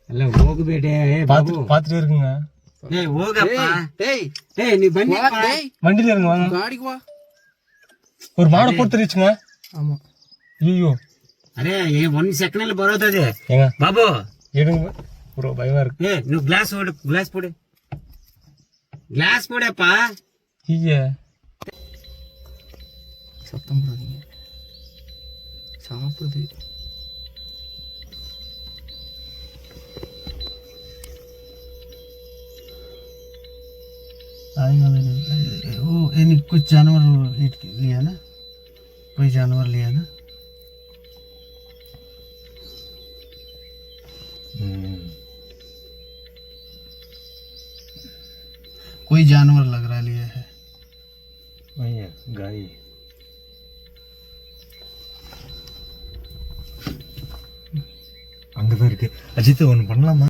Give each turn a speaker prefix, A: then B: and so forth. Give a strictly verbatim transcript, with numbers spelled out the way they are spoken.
A: இல்ல ஓகு பேட்டே ஏய் பாபு
B: பாத்துட்டே இருக்குங்க.
A: டேய் ஓகப்பா.
C: டேய்
A: டேய் நீ வண்டி பா.
B: வண்டில இருங்க வாங்க.
C: गाड़ी வா.
B: ஒரு மாடு போட்டுருச்சுங்க.
C: ஆமா.
B: ஐயோ.
A: அரே ஏ ஒன் செகண்ட்ல ಬರೋದದೆ.
B: ஏங்க
A: பாபு
B: எடுங்க. ப்ரோ பயமா இருக்கு.
A: ஏய் நீ கிளாஸ் ஓடு கிளாஸ் போடு. கிளாஸ் போடப்பா.
B: ஐயே.
C: சத்தம் போடாதீங்க. சாப்பிடுது. वो इन कुछ जानवर लिया ना, कोई जानवर लिया ना। कोई जानवर लग रहा लिया है।
B: भैया गाय அங்கதான் இருக்கு. அஜித் ஒன்று பண்ணலாமா?